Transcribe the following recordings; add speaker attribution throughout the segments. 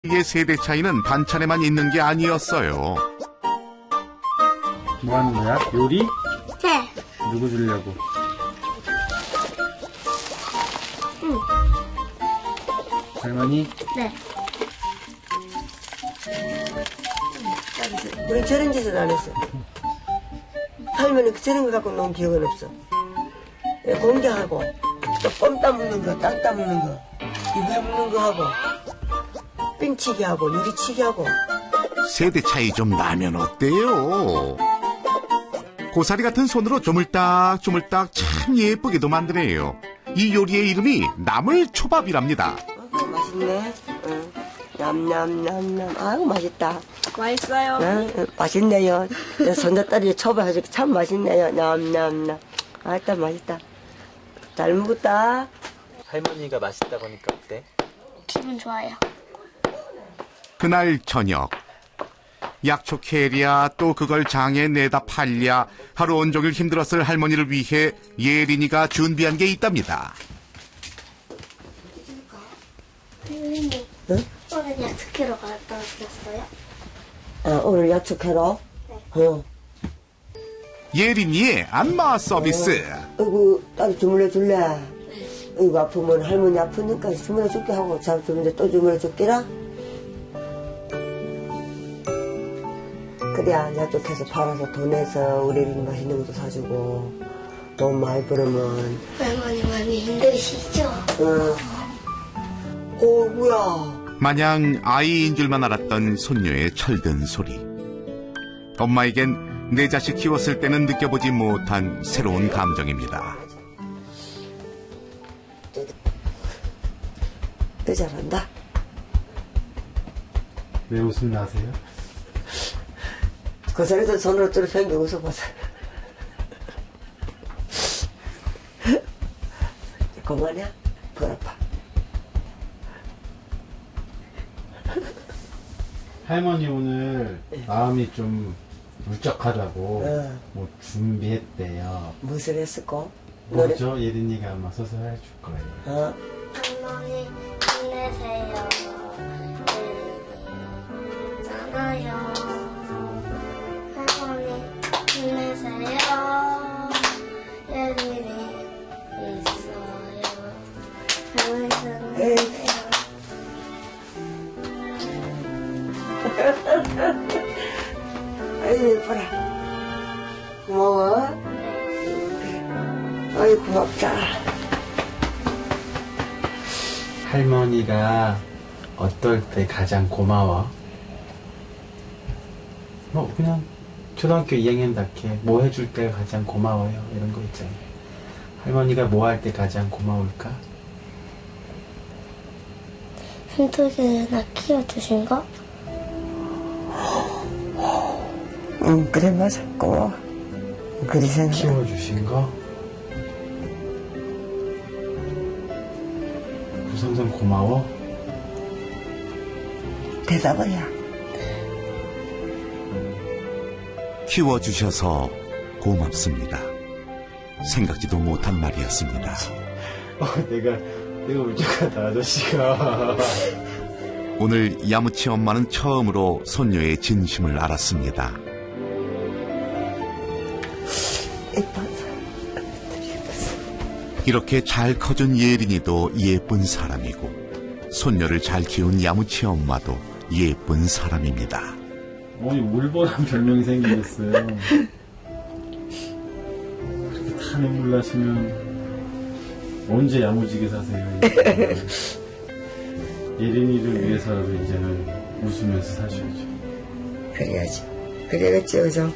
Speaker 1: 의 세대 차이는 반찬에만 있는 게 아니었어요.
Speaker 2: 뭐 하는 거야? 요리?
Speaker 3: 네.
Speaker 2: 누구 주려고?
Speaker 3: 응.
Speaker 2: 할머니?
Speaker 3: 네.
Speaker 4: 우리 저런 짓은 안 했어. 할머니 저런 거 갖고 놓은 기억은 없어. 공개하고 또 껌 따먹는 거, 땅 따먹는 거, 이회 먹는 거 하고 삥치기 하고 유리치기 하고.
Speaker 1: 세대 차이 좀 나면 어때요? 고사리 같은 손으로 조물딱조물딱 참 예쁘게도 만드네요. 이 요리의 이름이 나물초밥이랍니다.
Speaker 4: 맛있네. 응. 냠냠냠냠. 아유 맛있다.
Speaker 3: 맛있어요.
Speaker 4: 응? 맛있네요. 손자딸이 초밥해서 참 맛있네요. 냠냠냠. 아따 맛있다. 잘 먹었다.
Speaker 2: 할머니가 맛있다고 하니까 어때?
Speaker 3: 기분 좋아요.
Speaker 1: 그날 저녁 약초 캐랴 또 그걸 장에 내다 팔랴 하루 온종일 힘들었을 할머니를 위해 예린이가 준비한 게 있답니다.
Speaker 3: 선생님,
Speaker 4: 응?
Speaker 3: 오늘 약속회로 갔다 오셨어요?
Speaker 4: 아, 오늘 약속해라.
Speaker 3: 네.
Speaker 4: 어.
Speaker 1: 예린이의 안마 서비스.
Speaker 4: 어이구, 딸 주물러 줄래? 어이구, 아프면 할머니 아프니까 주물러 줄게 하고, 잘 주물러 또 주물러 줄게라? 그래야 약속해서 팔아서 돈 내서 우리 맛있는 것도 사주고, 돈 많이 벌으면,
Speaker 3: 할머니 많이 힘드시죠?
Speaker 4: 어이구야.
Speaker 1: 마냥 아이인 줄만 알았던 손녀의 철든 소리. 엄마에겐 내 자식 키웠을 때는 느껴보지 못한 새로운 감정입니다.
Speaker 4: 너 잘한다.
Speaker 2: 왜 웃음 나세요?
Speaker 4: 그 소리도 손으로 뚫어 팽겨 웃어보세요. 그만해? 덜 아파.
Speaker 2: 할머니 오늘 마음이 좀 울적하다고
Speaker 4: 응.
Speaker 2: 뭐 준비했대요.
Speaker 4: 무슨 했을까?
Speaker 2: 뭐죠? 예린이가 아마 서서 해줄 거예요.
Speaker 4: 어?
Speaker 3: 할머니 힘내세요. 예린이 있잖아요. 할머니 힘내세요. 예린이 있어요. 할머니 힘내세요.
Speaker 4: 아이 예뻐라. 고마워. 아이 고맙다.
Speaker 2: 할머니가 어떨 때 가장 고마워? 뭐 그냥 초등학교 2학년답게 뭐 해줄 때 가장 고마워요 이런 거 있잖아요. 할머니가 뭐 할 때 가장 고마울까?
Speaker 3: 힘들게나 키워주신 거?
Speaker 4: 응 그래 맞아 고마워. 그리 생각.
Speaker 2: 키워주신 거? 우선선 고마워?
Speaker 4: 대답이야.
Speaker 1: 키워주셔서 고맙습니다. 생각지도 못한 말이었습니다.
Speaker 2: 내가 울적하다 아저씨가.
Speaker 1: 오늘 야무치 엄마는 처음으로 손녀의 진심을 알았습니다.
Speaker 4: 예뻐.
Speaker 1: 이렇게 잘 커준 예린이도 예쁜 사람이고 손녀를 잘 키운 야무치 엄마도 예쁜 사람입니다.
Speaker 2: 어머니 울보란 별명이 생기겠어요. 그렇게 다 눈물 나시면 언제 야무지게 사세요? 예린이를 위해서라도 이제는 웃으면서 사셔야죠.
Speaker 4: 그래야지. 그래야겠지 그죠?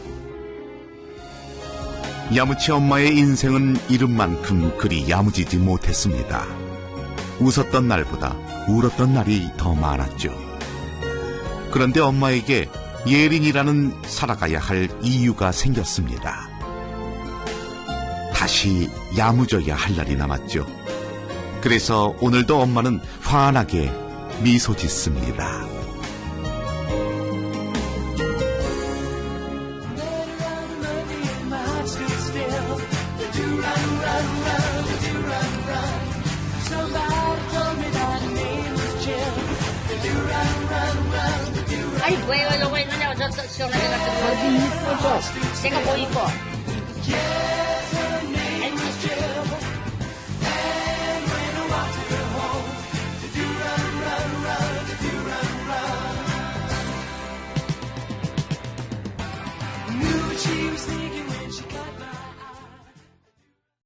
Speaker 1: 야무치 엄마의 인생은 이름만큼 그리 야무지지 못했습니다. 웃었던 날보다 울었던 날이 더 많았죠. 그런데 엄마에게 예린이라는 살아가야 할 이유가 생겼습니다. 다시 야무져야 할 날이 남았죠. 그래서 오늘도 엄마는 환하게 미소 짓습니다.
Speaker 5: Somebody told me that her name was Jill. Do run, run. 아니 왜 이러고 있느냐고 저 시원하게 같은 거. 어디 입고 줘. 내가 뭐 입고. 아이고.